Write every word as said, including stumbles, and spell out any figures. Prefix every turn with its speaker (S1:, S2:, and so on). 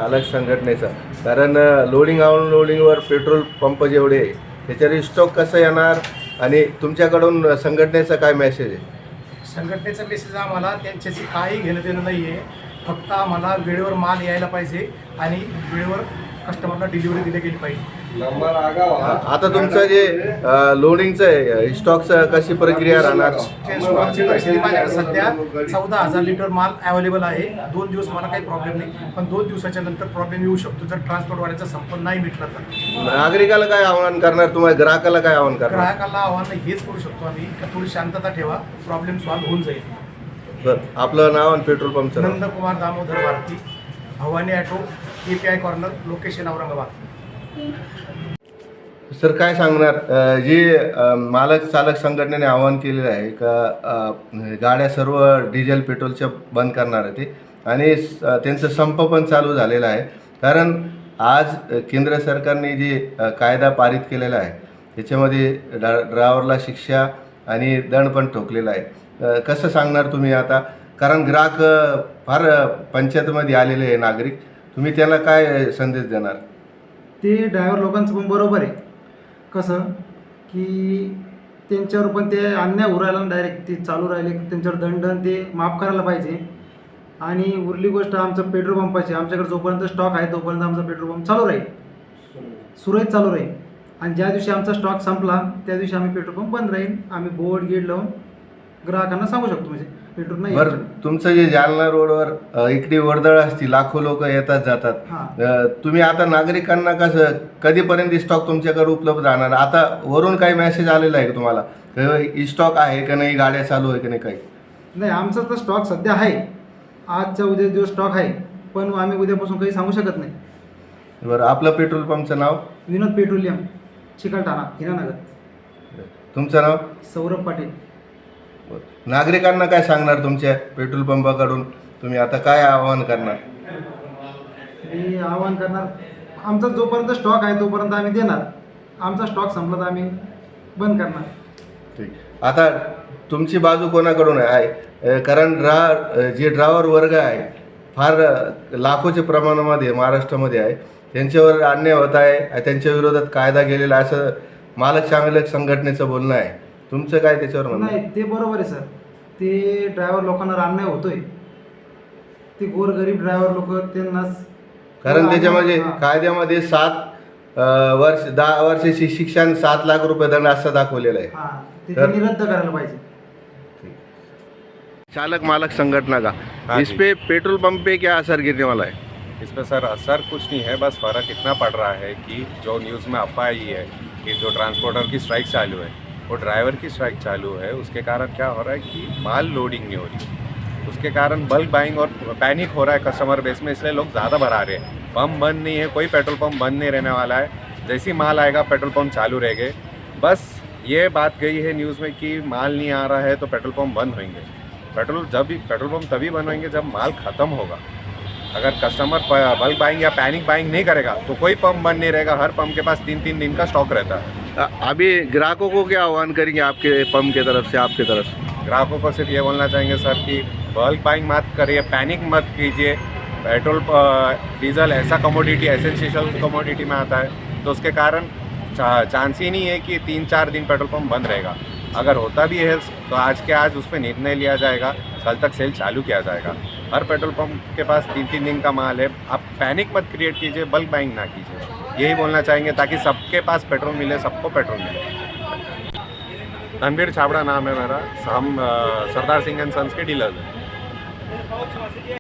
S1: मालक संघटनेचा, कारण लोडिंग अनलोडिंगवर पेट्रोल पंप जेवढे आहे त्याच्यावर स्टॉक कसं येणार आणि तुमच्याकडून संघटनेचा काय मेसेज आहे?
S2: संघटनेचा मेसेज आम्हाला त्यांच्याशी काही घेणं देणं नाही आहे. फक्त आम्हाला वेळेवर माल यायला पाहिजे आणि वेळेवर कस्टमरला डिलिव्हरी दिली गेली पाहिजे.
S1: आता तुमचं जे लोडिंगचं आहे स्टॉकचं कशी प्रक्रिया राहणार?
S2: स्टॉकची परिस्थिती माझ्याकडे सध्या चौदा हजार लिटर माल अवेलेबल आहे. दोन दिवस मला काही प्रॉब्लेम नाही, पण दोन दिवसाच्या नंतर प्रॉब्लेम येऊ शकतो जर ट्रान्सपोर्टवाल्याचा संपर्क नाही मिटला तर.
S1: नागरिकाला काय आव्हान करणार, तुम्हाला ग्राहकाला काय आव्हान करणार?
S2: ग्राहकाला आव्हान हेच करू शकतो आम्ही का थोडी शांतता ठेवा, प्रॉब्लेम सॉल्व्ह होऊन जाईल.
S1: बरं, आपलं नाव आणि पेट्रोल पंपचं नाव?
S2: Nandkumar Damodar Bharati, Bhavani auto, A P I corner, location Aurangabad.
S1: Sir काय सांगणार, जी मालक चालक संघटनेने आवाहन केलेलं आहे का गाड्या सर्व डिझेल पेट्रोलच्या बंद करणार आहे ते, आणि त्यांचं संप पण चालू झालेला आहे, कारण आज केंद्र सरकारने जे कायदा पारित केलेला आहे त्याच्यामध्ये ड्रा ड्रायव्हरला शिक्षा आणि दंड पण ठोकलेला आहे. कसं सांगणार तुम्ही आता, कारण ग्राहक फार पंचायतमध्ये आलेले आहे नागरिक, तुम्ही त्याला काय संदेश देणार?
S3: ते ड्रायव्हर लोकांचं पण बरोबर आहे. कसं की त्यांच्यावर पण ते अन्याय होऊ राहिला, डायरेक्ट ते चालू राहिले की त्यांच्यावर दंड ते माफ करायला पाहिजे. आणि उरली गोष्ट आमचं पेट्रोल पंपाची, आमच्याकडे जोपर्यंत स्टॉक आहे तोपर्यंत आमचा पेट्रोल पंप चालू राहील, सुरळीत चालू राहील. आणि ज्या दिवशी आमचा स्टॉक संपला त्या दिवशी आम्ही पेट्रोल पंप बंद राहील. आम्ही बोर्ड गेट लावून ग्राहकांना सांगू शकतो म्हणजे पेट्रोल नाही.
S1: बरं, तुमचं जे जालना रोडवर इकडे वर्दळ असते, लाखो लोक येतात जातात, तुम्ही आता नागरिकांना कसं कधीपर्यंत स्टॉक तुमच्याकडे उपलब्ध राहणार? आता वरून काही मेसेज आलेला आहे का तुम्हाला, स्टॉक आहे का नाही, गाड्या चालू आहे का नाही? काही
S3: नाही, आमचा तर स्टॉक सध्या आहे, आजच्या उद्या दिवस स्टॉक आहे, पण आम्ही उद्यापासून काही सांगू शकत नाही.
S1: बरं, आपलं पेट्रोल पंपचं नाव?
S3: विनोद पेट्रोलियम, चिकलठाणा, हिरानगर.
S1: तुमचं नाव?
S3: सौरभ पाटील.
S1: नागरिकांना काय सांगणार तुमच्या पेट्रोल पंपाकडून, तुम्ही आता काय आवाहन करणार?
S3: मी आवाहन करणार, आमचा जोपर्यंत स्टॉक आहे तोपर्यंत आम्ही देणार, आमचा स्टॉक संपला तर आम्ही बंद करणार.
S1: ठीक, आता तुमची बाजू कोणाकडून आहे? कारण ड्रा जे ड्रायव्हर वर्ग आहे फार लाखोच्या प्रमाणामध्ये महाराष्ट्रामध्ये आहे, त्यांच्यावर अन्याय होत आहे, त्यांच्या विरोधात कायदा गेलेला असं मालक चांगलक संघटनेचं बोलणं आहे. तुमचं काय त्याच्यावर म्हणणं?
S3: नाही, ते बरोबर आहे सर, ते ड्रायव्हर लोकांना अन्याय होतोय, ते गोरगरीब ड्रायव्हर लोक त्यांनाच,
S1: कारण त्याच्यामध्ये कायद्यामध्ये सात वर्ष दहा वर्षाची शिक्षा आणि सात लाख रुपये दंड असं दाखवलेलं आहे.
S3: हां, ते त्यांनी रद्द करायला पाहिजे.
S1: चालक मालक संगठना का हाँ, इस पे पेट्रोल पंप पे क्या असर गिरने वाला है?
S4: इस पर सर असर कुछ नहीं है, बस फ़र्क इतना पड़ रहा है कि जो न्यूज़ में अफवाह आई है कि जो ट्रांसपोर्टर की स्ट्राइक चालू है वो ड्राइवर की स्ट्राइक चालू है, उसके कारण क्या हो रहा है कि माल लोडिंग नहीं हो रही, उसके कारण बल्क बाइंग और पैनिक हो रहा है कस्टमर बेस में, इसलिए लोग ज़्यादा भरा रहे हैं. पंप बंद नहीं है, कोई पेट्रोल पंप बंद नहीं रहने वाला है, जैसी माल आएगा पेट्रोल पंप चालू रहेंगे. बस ये बात गई है न्यूज़ में कि माल नहीं आ रहा है तो पेट्रोल पंप बंद होंगे. पेट्रोल जब भी पेट्रोल पंप तभी बंद होंगे जब माल ख़त्म होगा. अगर कस्टमर बल्क बाइंग या पैनिक बाइंग नहीं करेगा तो कोई पंप बंद नहीं रहेगा. हर पंप के पास तीन तीन दिन का स्टॉक रहता है.
S1: अभी ग्राहकों को क्या आह्वान करेंगे आपके पंप की तरफ से, आपके तरफ से?
S4: ग्राहकों को सिर्फ ये बोलना चाहेंगे सर कि बल्क बाइंग मत करिए, पैनिक मत कीजिए. पेट्रोल डीजल ऐसा कमोडिटी, एसेंशियल कमोडिटी में आता है, तो उसके कारण चांस ही नहीं है कि तीन चार दिन पेट्रोल पंप बंद रहेगा. अगर होता भी है तो आज के आज उस पर निर्णय लिया जाएगा, कल तक सेल चालू किया जाएगा. हर पेट्रोल पंप के पास तीन तीन दिन का माल है. आप पैनिक मत क्रिएट कीजिए, बल्क बाइंग ना कीजिए, यही बोलना चाहेंगे ताकि सबके पास पेट्रोल मिले, सबको पेट्रोल मिले. रणबीर छाबड़ा नाम है मेरा, हम सरदार सिंह एंड सन्स के डीलर हैं.